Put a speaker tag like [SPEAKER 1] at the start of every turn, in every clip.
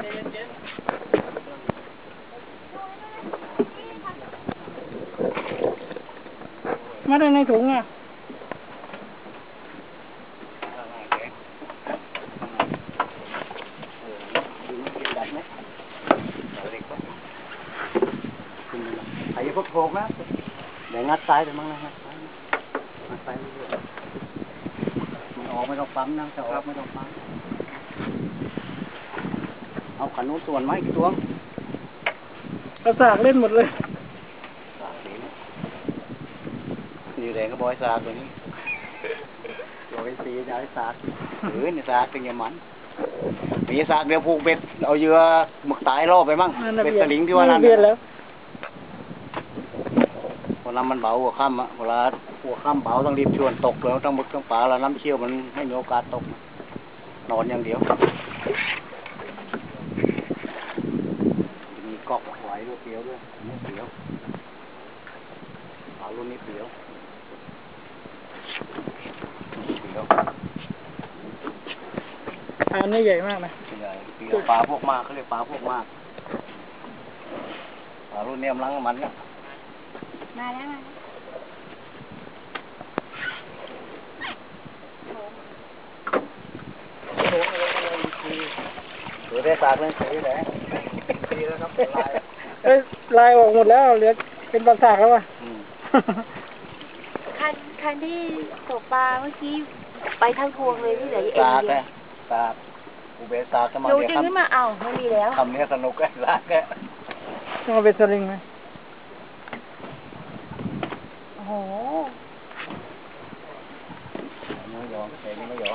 [SPEAKER 1] มาได้ในถุงอ่ะ
[SPEAKER 2] ไอ้พวกโผล่นะเดี๋ยวงัดซ้ายไปมั้งนะงัดซ้ายเรื่อยๆมันออกไม่ต้องปั๊มนะจะออกไม่ต้องปั๊มเอาขันนู้นส่วนไหมกี่ตัว
[SPEAKER 1] กระสากเล่นหมดเลย
[SPEAKER 2] สากนี้นี่แดงก็บอยสากตัวนี้ตัวไอ้สีจะไอ้สากนี่สากเป็นอย่างมันมีสากเดียวผูกเบ็ดเอาเยื่อหมึกตายรอบไปมั่งเบ็ดสลิงที่ว่านั่น
[SPEAKER 1] แล้ว
[SPEAKER 2] เวลามันเบาหัวค่ำอ่ะเวลาหัวค่ำเบาต้องรีบชวนตกแล้วต้องหมึกต้องปลาแล้วน้ำเชี่ยวมันไม่มีโอกาสตกนอนอย่างเดียวมีกอกไหวด้วยเปรี้ยวด้วยเปรี้ยวปลารุ่นนี้เปรี้ยว
[SPEAKER 1] อันนี้ใหญ่มากนะ
[SPEAKER 2] ใหญ่เปรี้ยวปลาพวกมากเขาเรียกปลาพวกมากปลารุ่นนี้มันมันเนี่ย
[SPEAKER 3] มาแล้ว
[SPEAKER 2] ถือได้สากเลยถือได้ดีแล้วครับ
[SPEAKER 1] ลายออกหมดแล้วเหลือเป็นปลาสากแล้วอ่ะ
[SPEAKER 3] คันที่ตกปลาเมื่อกี้ไปทั้งพวงเลยที่เหลือเอง
[SPEAKER 2] สากอุเบสากจะมา
[SPEAKER 3] เดี๋ยวจริงขึ้นมาเอาไม่มีแล้ว
[SPEAKER 2] ทำเนี้ยสนุกแค่สากแค่
[SPEAKER 1] ต้องเอาเป็นสลิงไหม
[SPEAKER 3] โอ้โห
[SPEAKER 2] ไม่ยอมเองไม่ยอม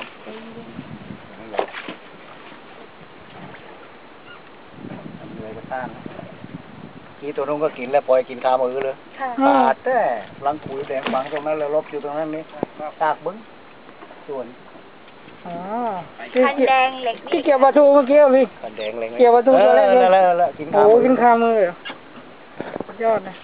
[SPEAKER 2] เลยก็ต้านกี่ตัวนู้นก็กินแล้วปล่อยกินคามือเลยขาดแต่ลังขุยแดงฝังตรงนั้นแล้วลบอยู่ตรงนั้นนี่ซากบึ้งส่วน
[SPEAKER 3] คันแดงเหล็ก
[SPEAKER 1] ที่เกี่ยวปลาทูเมื่อกี้พี่
[SPEAKER 2] คันแดงเหล็ก
[SPEAKER 1] เกี่ยวปลาทูตัวแรก
[SPEAKER 2] เลย
[SPEAKER 1] โอ้กินคามือยอดนะ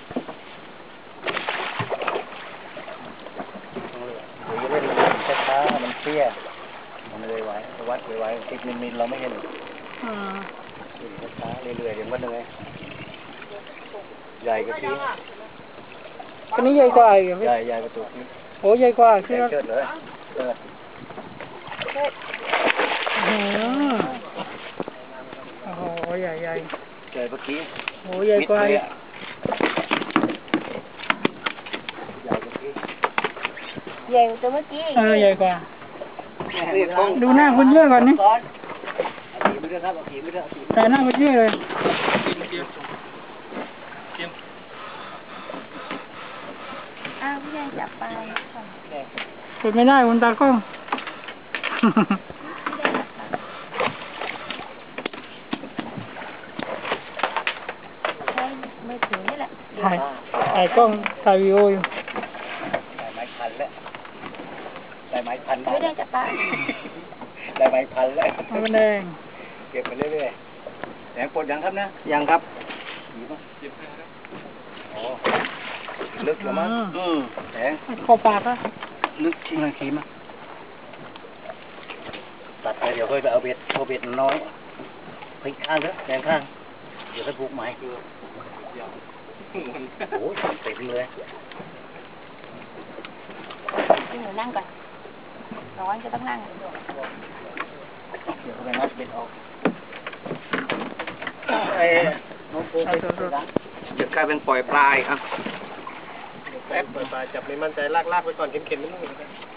[SPEAKER 2] เดี๋ยวเล่นช้าๆมันเตี้ยมันเลยไหววัดเลยไหวติดมิลเราไม่เห็นช้าๆเรื่อยๆอย่างวัดเลยใหญ่กว่าที่
[SPEAKER 1] อันนี้ใหญ่กว่าอีก
[SPEAKER 2] ใหญ่กว่าตัวนี้
[SPEAKER 1] โอ้ใหญ่กว่า
[SPEAKER 2] เชิดเลย
[SPEAKER 1] โอ้โหใหญ่
[SPEAKER 2] ใหญ่เมื่อกี้
[SPEAKER 1] โอ้ใหญ่กว่า
[SPEAKER 3] ใหญ่ตัวเมื่อกี้
[SPEAKER 1] ใหญ่กว่าดูหน้าคุณเยอะก่อนนี่แต่หน้าคุณเยอะเลย
[SPEAKER 3] พี่ใหญ่จับไป
[SPEAKER 1] เปิดไม่ได้คุณตากล้อง
[SPEAKER 3] ใช้มือถือนี่แหละ
[SPEAKER 1] ถ่ายกล้องถ่ายวิดีโออยู่
[SPEAKER 2] ได้ไม้พันแล้วได้ไม้พัน
[SPEAKER 3] ไม่ได้จับปลา
[SPEAKER 2] ได้ไม้พันแล้ว
[SPEAKER 1] ไม่แดง
[SPEAKER 2] เก็บไปเรื่อยๆแดงปลดยังครับนะยังครับลึกแล้วมั้งแดง
[SPEAKER 1] คอปากอะ
[SPEAKER 2] ลึกที่มันขีมตัดไปเดี๋ยวค่อยไปเอาเบ็ดน้อยพลิกข้างเถอะแดงข้างเดี๋ยวค่อยผูกไม้โอ้ยเต็มเลย
[SPEAKER 3] พี่หนูนั่งก่อนร้อนก็ต้องนั่ง
[SPEAKER 2] เดี๋ยวไปงัดเบ็ดออกน้องโป๊ะจะกลายเป็นปล่อยปลายครับ
[SPEAKER 4] แป๊บเปิดปลายจับไม่มั่นใจลากไปก่อนเข็นๆนิดนึง